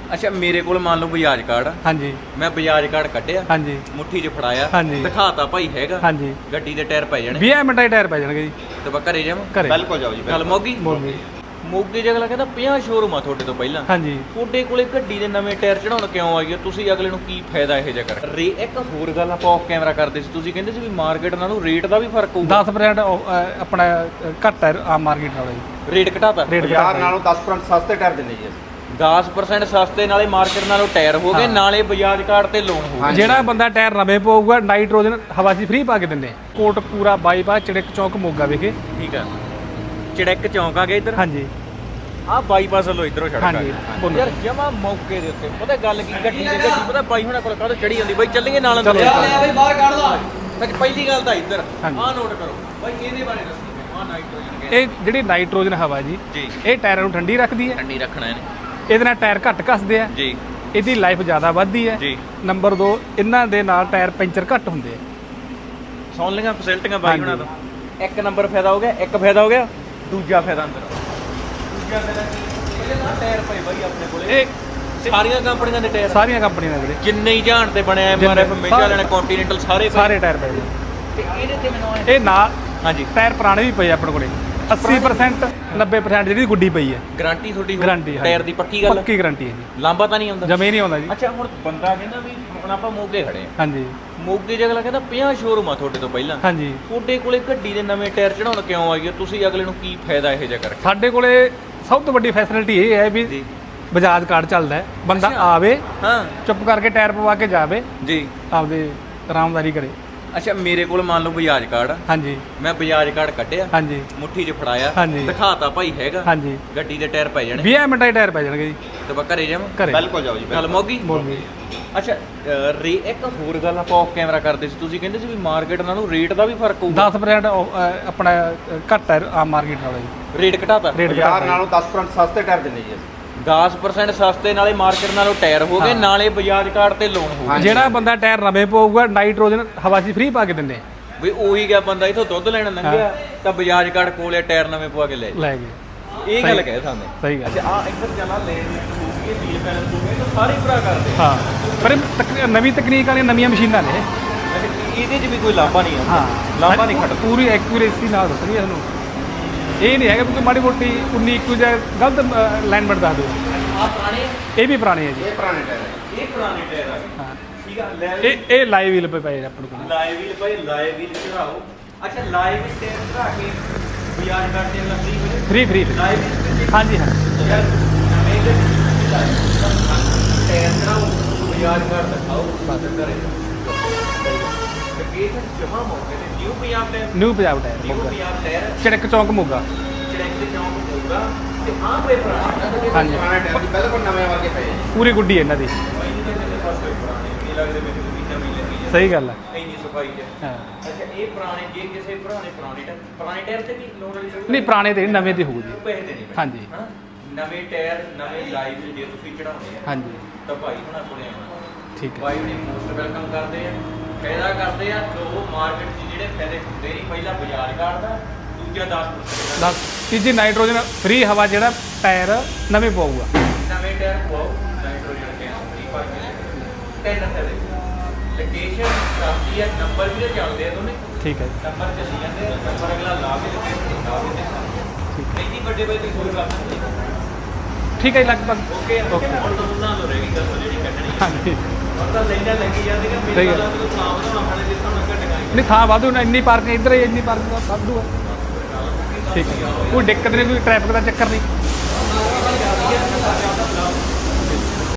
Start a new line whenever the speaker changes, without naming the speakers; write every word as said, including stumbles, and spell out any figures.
ਅੱਛਾ ਮੇਰੇ ਕੋਲ ਮੰਨ ਲਓ ਬਜਾਜ ਕਾਰਡ।
ਹਾਂਜੀ
ਮੈਂ ਬਜਾਜ ਕਾਰਡ ਕੱਢਿਆ,
ਹਾਂਜੀ
ਮੁੱਠੀ 'ਚ ਫੜਾਇਆ,
ਹਾਂਜੀ
ਦਿਖਾਤਾ ਭਾਈ ਹੈਗਾ,
ਹਾਂਜੀ
ਗੱਡੀ ਦੇ ਟਾਇਰ ਪੈ ਜਾਣੇ
ਵੀਹ ਮਿੰਟਾਂ 'ਚ ਟਾਇਰ ਪੈ ਜਾਣਗੇ ਜੀ
ਤੇ ਬਾ ਘਰੇ ਜਾਵਾਂ।
ਘਰੇ
ਬਿਲਕੁਲ ਜਾਓ ਜੀ। ਗੱਲ ਮੋਗੀ
ਮੋਗੇ
ਮੋਗੇ ਚ ਅਗਲਾ ਕਹਿੰਦਾ ਪੰਜਾਹ ਸ਼ੋਰੂਮ ਆ ਤੁਹਾਡੇ ਤੋਂ ਪਹਿਲਾਂ।
ਹਾਂਜੀ
ਤੁਹਾਡੇ ਕੋਲੇ ਗੱਡੀ ਦੇ ਨਵੇਂ ਟਾਇਰ ਚੜਾਉਣ ਕਿਉਂ ਆਈ ਆ? ਤੁਸੀਂ ਅਗਲੇ ਨੂੰ ਕੀ ਫਾਇਦਾ ਇਹੋ ਜਿਹਾ ਕਰ ਰੇ ਇੱਕ ਹੋਰ ਗੱਲ ਆਪਾਂ ਆਫ ਕੈਮਰਾ ਕਰਦੇ ਸੀ, ਤੁਸੀਂ ਕਹਿੰਦੇ ਸੀ ਵੀ ਮਾਰਕੀਟ ਨਾਲੋਂ ਰੇਟ ਦਾ ਵੀ ਫਰਕ ਹੋਊਗਾ।
ਦਸ ਪਰਸੈਂਟ ਆਪਣਾ ਅ, ਘੱਟ ਹੈ ਆਮ ਮਾਰਕੀਟ ਨਾਲੋਂ ਜੀ।
ਰੇਟ ਘਟਾਤਾ
ਰੇਟ
ਬਾਜ਼ਾਰ ਨਾਲੋਂ ਦਸ ਪਰਸੈਂਟ ਸਸਤੇ ਟਾਇਰ ਦਿੰਦੇ ਜੀ ਅਸੀਂ।
ਦਸ ਪਰਸੈਂਟ ਸਸਤੇ, ਨਾਲੇ ਮਾਰਕੀਟ ਨਾਲੋਂ ਟਾਇਰ ਹੋ ਗਏ,
ਹਾਂ।
ਨਾਲੇ ਬਜਾਜ ਕਾਰਡ ਤੇ ਲੋਨ ਹੋ ਗਿਆ।
ਜਿਹੜਾ ਬੰਦਾ ਟਾਇਰ ਨਵੇਂ ਪਊਗਾ ਨਾਈਟ੍ਰੋਜਨ ਹਵਾ 'ਚ ਫ੍ਰੀ ਪਾ ਕੇ ਦਿੰਦੇ। ਕੋਟਕਪੂਰਾ ਬਾਈਪਾਸ ਚੜਕ ਚੌਕ ਮੋਗਾ ਵਿਖੇ।
ਠੀਕ ਆ, ਚੜਕ ਚੌਂਕ ਆ ਗਿਆ ਇੱਧਰ।
ਹਾਂਜੀ
ਆ ਬਾਈਪਾਸ ਵੱਲੋਂ ਇਧਰੋਂ ਛੜਕਾ
ਹਾਂਜੀ, ਬੋਲੋ।
ਯਾਰ ਜਮਾ ਮੌਕੇ ਦੇ ਉੱਤੇ ਪਤਾ ਗੱਲ ਕੀ, ਗੱਡੀ ਦੀ ਗੱਡੀ ਪਤਾ ਬਾਈ ਹੁਣਾਂ ਕੋਲ ਕਾਹਦੋਂ ਚੜੀ ਜਾਂਦੀ ਬਾਈ, ਚੱਲੀਏ ਨਾਲ ਅੰਦਰ।
ਚਲੋ।
ਬਈ ਬਾਹਰ ਕੱਢ ਲਾ। ਸੱਚ ਪਹਿਲੀ ਗੱਲ ਤਾਂ ਇੱਧਰ
ਹਾਂਜੀ।
ਆਹ ਨੋਟ ਕਰੋ ਬਾਈ, ਇਹਦੇ ਬਾਰੇ ਦੱਸੋ। ਆ ਨਾਈਟ੍ਰੋਜਨ ਗੈਸ
ਇਹ ਜਿਹੜੀ ਨਾਈਟ੍ਰੋਜਨ ਹਵਾ ਜੀ
ਜੀ
ਇਹ ਟਾਇਰਾਂ ਨੂੰ ਠੰਡੀ ਰੱਖਦੀ ਹੈ।
ਠੰਡੀ ਰੱਖਣਾ ਇਹਨੇ
ਇਹਦੇ ਨਾਲ ਟਾਇਰ ਘੱਟ ਘਸਦੇ ਆ,
ਜੀ
ਇਹਦੀ ਲਾਈਫ ਜ਼ਿਆਦਾ ਵੱਧਦੀ ਹੈ।
ਜੀ।
ਨੰਬਰ ਦੋ ਇਹਨਾਂ ਦੇ ਨਾਲ ਟਾਇਰ ਪੈਂਚਰ ਘੱਟ ਹੁੰਦੇ ਆ।
ਸੁਣ ਲਈਆਂ ਫੈਸਿਲਿਟੀਆਂ ਬਾਈ
ਹਾਂਜੀ।
ਹੁਣਾਂ ਤੋਂ। ਇੱਕ ਨੰਬਰ ਫਾਇਦਾ ਹੋ ਗਿਆ, ਇੱਕ ਫਾਇਦਾ ਹੋ ਗਿਆ। ਦੂਜਾ ਫਾਇਦਾ ਅੰਦਰ ਦੂਜਾ ਫਾਇਦਾ ਕੀ, ਇਹਦੇ ਨਾਲ ਟਾਇਰ ਪਏ ਬਾਈ ਆਪਣੇ ਕੋਲੇ
ਇਹ
ਸਾਰੀਆਂ ਕੰਪਨੀਆਂ ਦੇ ਟਾਇਰ,
ਸਾਰੀਆਂ ਕੰਪਨੀਆਂ ਦੇ ਵੀਰੇ
ਜਿੰਨੇ ਹੀ ਜਾਣ ਤੇ ਬਣਿਆ ਐਮ ਆਰ ਐਫ ਮੇਜਰ ਵਾਲੇ ਕੰਟੀਨੈਂਟਲ ਸਾਰੇ ਪਏ।
ਸਾਰੇ ਟਾਇਰ ਪਏ ਜੀ।
ਤੇ ਇਹਦੇ ਤੇ ਮੈਨੂੰ
ਇਹ ਨਾਲ
ਹਾਂਜੀ
ਟਾਇਰ ਪੁਰਾਣੇ ਵੀ ਪਏ ਆ ਆਪਣੇ ਕੋਲੇ। ਅੱਸੀ ਪਰਸੈਂਟ ਨੱਬੇ ਪਰਸੈਂਟ ਜਿਹੜੀ ਗੁੱਡੀ ਪਈ ਹੈ।
ਗਾਰੰਟੀ ਤੁਹਾਡੀ ਹੋਊ?
ਗਾਰੰਟੀ
ਟਾਇਰ ਦੀ ਪੱਕੀ ਗੱਲ,
ਪੱਕੀ ਗਾਰੰਟੀ ਹੈ ਜੀ।
ਲਾਂਬਾ ਤਾਂ ਨਹੀਂ ਆਉਂਦਾ?
ਜਮੇ ਨਹੀਂ ਆਉਂਦਾ ਜੀ।
ਅੱਛਾ ਹੁਣ ਬੰਦਾ ਕਹਿੰਦਾ ਵੀ ਹੁਣ ਆਪਾਂ ਮੋਗੇ ਖੜੇ ਆ,
ਹਾਂਜੀ
ਮੋਗੇ 'ਚ ਅਗਲਾ ਕਹਿੰਦਾ ਪੰਜਾਹ ਸ਼ੋਰੂਮ ਆ ਤੁਹਾਡੇ ਤੋਂ ਪਹਿਲਾਂ।
ਹਾਂਜੀ
ਤੁਹਾਡੇ ਕੋਲੇ ਗੱਡੀ ਦੇ ਨਵੇਂ ਟਾਇਰ ਚੜਾਉਣ ਕਿਉਂ ਆਈ ਆ? ਤੁਸੀਂ ਅਗਲੇ ਨੂੰ ਕੀ ਫਾਇਦਾ ਇਹੋ ਜਿਹਾ ਕਰਕੇ?
ਸਾਡੇ ਕੋਲੇ ਸਭ ਤੋਂ ਵੱਡੀ ਫੈਸਿਲਿਟੀ ਇਹ ਹੈ ਵੀ
ਜੀ
ਬਜਾਜ ਕਾਰਡ ਚੱਲਦਾ ਹੈ। ਬੰਦਾ
ਅੱਛਾ।
ਆਵੇ
ਹਾਂ
ਚੁੱਪ ਕਰਕੇ ਟਾਇਰ ਪਵਾ ਕੇ ਜਾਵੇ,
ਜੀ।
ਆਪਦੇ ਆਰਾਮਦਾਰੀ ਕਰੇ।
ਅੱਛਾ ਮੇਰੇ ਕੋਲ ਮੰਨ ਲਓ ਬਜਾਜ ਕਾਰਡ ਆ,
ਹਾਂਜੀ
ਮੈਂ ਬਜਾਜ ਕਾਰਡ ਕੱਢਿਆ,
ਹਾਂਜੀ
ਮੁੱਠੀ 'ਚ ਫੜਾਇਆ,
ਹਾਂਜੀ।
ਦਿਖਾਤਾ ਭਾਈ ਹੈਗਾ,
ਹਾਂਜੀ
ਗੱਡੀ ਦੇ ਟਾਇਰ ਪੈ ਜਾਣੇ
ਵੀਹ ਮਿੰਟਾਂ 'ਚ ਟਾਇਰ ਪੈ ਜਾਣਗੇ ਜੀ
ਤੇ ਬਾ ਘਰੇ ਜਾਵਾਂ।
ਘਰੇ
ਬਿਲਕੁਲ ਜਾਓ ਜੀ।
ਗੱਲ ਮੋਗੀ
ਮੋਗੇ
ਅੱਛਾ ਅ, ਰੇ ਇੱਕ ਹੋਰ ਗੱਲ ਆਪਾਂ ਆਫ ਕੈਮਰਾ ਕਰਦੇ ਸੀ, ਤੁਸੀਂ ਕਹਿੰਦੇ ਸੀ ਵੀ ਮਾਰਕੀਟ ਨਾਲੋਂ ਰੇਟ ਦਾ ਵੀ ਫਰਕ ਹੋਊਗਾ।
ਦਸ ਪਰਸੈਂਟ ਆਪਣਾ ਅ, ਘੱਟ ਹੈ ਆਮ ਮਾਰਕੀਟ ਨਾਲੋਂ ਜੀ।
ਰੇਟ ਘਟਾਤਾ
ਰੇਟ
ਬਾਜ਼ਾਰ
ਘੱਟ
ਨਾਲੋਂ ਦਸ ਪਰਸੈਂਟ ਸਸਤੇ ਟਾਇਰ ਦਿੰਦੇ ਜੀ ਅਸੀਂ।
ਦਸ ਪਰਸੈਂਟ ਸਸਤੇ, ਨਾਲੇ ਮਾਰਕੀਟ ਨਾਲੋਂ ਟਾਇਰ ਹੋ ਗਏ,
ਹਾਂ।
ਨਾਲੇ ਬਜਾਜ ਕਾਰਡ ਤੇ ਲੋਨ ਹੋ ਗਿਆ।
ਹਾਂਜੀ।
ਜਿਹੜਾ ਬੰਦਾ ਟਾਇਰ ਨਵੇਂ ਪਊਗਾ ਨਾਈਟ੍ਰੋਜਨ ਹਵਾ 'ਚ ਫ੍ਰੀ ਪਾ ਕੇ ਦਿੰਦੇ।
ਵੀ ਉਹੀ ਗਿਆ ਬੰਦਾ ਇਥੋਂ ਦੁੱਧ ਲੈਣ ਲੰਘਿਆ ਤਾਂ ਬਜਾਜ ਕਾਰਡ ਕੋਲੇ ਟਾਇਰ ਨਵੇਂ ਪਵਾ ਕੇ ਲੈ ਜਾ।
ਲੈ ਗਏ
ਇਹ ਗੱਲ ਕਹੇ ਸਾਨੂੰ।
ਸਹੀ ਗੱਲ
ਅੱਛਾ ਆ ਇੱਧਰ ਚੱਲਾ ਲੈਣ ਹੋ ਗਈ, ਵੀਲ ਬੈਲੈਂਸ ਹੋ ਗਿਆ, ਤਾਂ ਸਾਰੇ ਭਰਾ ਕਰਦੇ।
ਹਾਂ ਪਰ ਇਹ ਤਕ- ਨਵੀਂ ਤਕਨੀਕ ਵਾਲੀਆਂ ਨਵੀਆਂ ਮਸ਼ੀਨਾਂ ਨੇ।
ਅੱਛਾ ਇਹਦੇ 'ਚ ਵੀ ਕੋਈ ਲਾਂਭਾ ਨਹੀਂ ਆਉਂਦਾ?
ਹਾਂ
ਲਾਂਭਾ ਨਹੀਂ ਖੜਦਾ।
ਪੂਰੀ ਐਕੂਰੇਸੀ ਨਾਲ ਦੱਸਣੀ ਹੈ ਤੁਹਾਨੂੰ। ਇਹ ਨਹੀਂ ਹੈਗਾ ਵੀ ਕੋਈ ਮਾੜੀ ਮੋਟੀ ਉੱਨੀ ਇੱਕੀ ਜਾਂ ਗਲਤ ਅਲਾਈਨਮੈਂਟ ਦੱਸ ਦਿਓ।
ਆ ਪੁਰਾਣੇ,
ਇਹ ਵੀ ਪੁਰਾਣੇ ਹੈ ਜੀ।
ਇਹ ਪੁਰਾਣੇ ਟਾਇਰ ਹੈ।
ਇਹ ਪੁਰਾਣੇ ਟਾਇਰ ਆ ਗਏ।
ਹਾਂ
ਠੀਕ ਆ ਲੈ
ਇਹ ਇਹ ਲਾਈਵ ਵੀਲ ਪਏ ਪਏ ਆ ਆਪਣੇ ਕੋਲ।
ਲਾਈਵ ਵੀਲ ਭਾਈ, ਲਾਈਵ ਵੀਲ ਚੜਾਓ। ਅੱਛਾ ਲਾਈਵ ਵੀਲ ਟਾਇਰ ਚੜਾ ਕੇ ਬਜਾਜ ਕਾਰਡ ਤੇ ਲੱਗੀ ਹੋਈ
ਫ੍ਰੀ ਫ੍ਰੀ
ਲਾਈਵ ਵੀਲ
ਹਾਂਜੀ ਹਾਂ
ਯਾਰ ਨਵੇਂ ਦੇ ਟਾਇਰ ਚੜਾਓ, ਬਜਾਜ ਕਾਰਡ ਦਿਖਾਓ, ਬਸ ਕਰੇ ਲੋਕੇਸ਼ਨ ਜਮਾ ਮੌਕੇ ਤੇ new Punjab tyre,
new Punjab tyre
new
Moga
Punjab tyre
Charak chowk Moga.
ਚੜੈਕ ਦੇ ਚੌਂਕ ਹੋਊਗਾ ਤੇ ਆਹ ਕੋਈ ਪੁਰਾਣਾ
ਹਾਂਜੀ
ਪੁਰਾਣੇ ਟਾਇਰ ਦੀ ਬਿਲਕੁਲ ਨਵੇਂ ਵਰਗੇ ਪਏ ਜੀ।
ਪੂਰੀ ਗੁੱਡੀ ਹੈ ਇਹਨਾਂ ਦੀ।
ਪੁਰਾਣੇ ਲੱਗਦੇ ਮੈਨੂੰ ਵੀ ਨਵੀਂ ਲੱਗੀ
ਸਹੀ ਗੱਲ ਹੈ।
ਇੰਨੀ ਸਫਾਈ ਹੈ।
ਹਾਂ
ਅੱਛਾ ਇਹ ਪੁਰਾਣੇ, ਜੇ ਕਿਸੇ ਭਰਾ ਨੇ ਪੁਰਾਣੇ ਟਾਇਰ ਪੁਰਾਣੇ ਟਾਇਰ ਤੇ ਵੀ ਲੋਨ ਵਾਲੀ
ਨਹੀਂ ਪੁਰਾਣੇ ਤੇ ਨਹੀਂ, ਨਵੇਂ ਤੇ ਹੋਊ ਜੀ।
ਪੈਸੇ ਦੇਣੇ ਪੈਣੇ।
ਹਾਂਜੀ।
ਹਨਾ? ਨਵੇਂ ਟਾਇਰ ਨਵੇਂ ਲਾਈਵ ਜੇ ਤੁਸੀਂ ਚੜਾਉਣੇ ਆ
ਹਾਂਜੀ
ਤਾਂ ਭਾਈ ਹੁਣਾਂ ਕੋਲੇ ਆਉਣਾ।
ਠੀਕ ਹੈ।
ਭਾਈ ਹੁਣੀ ਮੋਸਟ ਵੈਲਕਮ ਕਰਦੇ ਆ, ਫਾਇਦਾ ਕਰਦੇ ਆ। ਦੋ ਮਾਰਕੀਟ 'ਚ ਜਿਹੜੇ ਫਾਇਦੇ ਹੁੰਦੇ ਨਹੀਂ, ਪਹਿਲਾ ਬਜਾਜ ਕਾਰਡ ਦਾ, ਦੂਜਾ ਦਸ percent ਦਾ।
ਦਸ ਤੀਜੀ ਨਾਈਟ੍ਰੋਜਨ ਫ੍ਰੀ ਹਵਾ ਜਿਹੜਾ ਟਾਇਰ ਨਵੇਂ ਪਊਗਾ।
ਨਵੇਂ ਟਾਇਰ ਪਵਾਓ, ਨਾਈਟ੍ਰੋਜਨ ਗੈਸ ਫ੍ਰੀ ਪਾ ਕੇ ਤਿੰਨ ਫਾਇਦੇ। ਲੋਕੇਸ਼ਨ ਦੱਸਦੀ ਹੈ, ਨੰਬਰ ਵੀ ਤਾਂ ਚੱਲਦੇ ਆ ਦੋਨੇ,
ਠੀਕ ਹੈ ਜੀ,
ਨੰਬਰ ਚੱਲੀ ਜਾਂਦੇ ਆ, ਨੰਬਰ ਅਗਲਾ ਲਾ ਕੇ ਲੋਕੇਸ਼ਨ ਲਾ ਦਿੰਦੇ ਆ।
ਠੀਕ ਹੈ
ਇੰਨੀ ਵੱਡੇ ਬਾਈ ਤੇ ਕੋਈ ਗੱਲ ਨਹੀਂ।
ਠੀਕ ਹੈ ਜੀ, ਲਗਭਗ
ਓਕੇ
ਓਕੇ
ਹੁਣ ਤਾਂ ਉਹਨਾਂ ਨੂੰ ਰਹਿ ਗਈ ਗੱਲ ਜਿਹੜੀ ਕੱਢਣੀ।
ਹਾਂਜੀ।
ਹੁਣ ਤਾਂ ਲੈਣਾ ਲੱਗੀ ਜਾਂਦੀ ਕਿ
ਸਹੀ
ਮੇਰੇ
ਗੱਲ।
ਨਾਲ ਤਾਂ ਨਾਮ ਦਾ ਆਪਣੇ ਜਿਸ ਤਰ੍ਹਾਂ ਘਟਣਾ
ਨਹੀਂ ਥਾਂ ਵਾਧੂ ਨਾ, ਇੰਨੀ ਪਾਰਕਿੰਗ ਇੱਧਰ ਹੀ ਇੰਨੀ ਪਾਰਕਿੰਗ ਵਾਧੂ ਹੈ। ਠੀਕ ਹੈ ਕੋਈ ਦਿੱਕਤ ਨਹੀਂ, ਕੋਈ ਟ੍ਰੈਫਿਕ ਦਾ ਚੱਕਰ ਨਹੀਂ।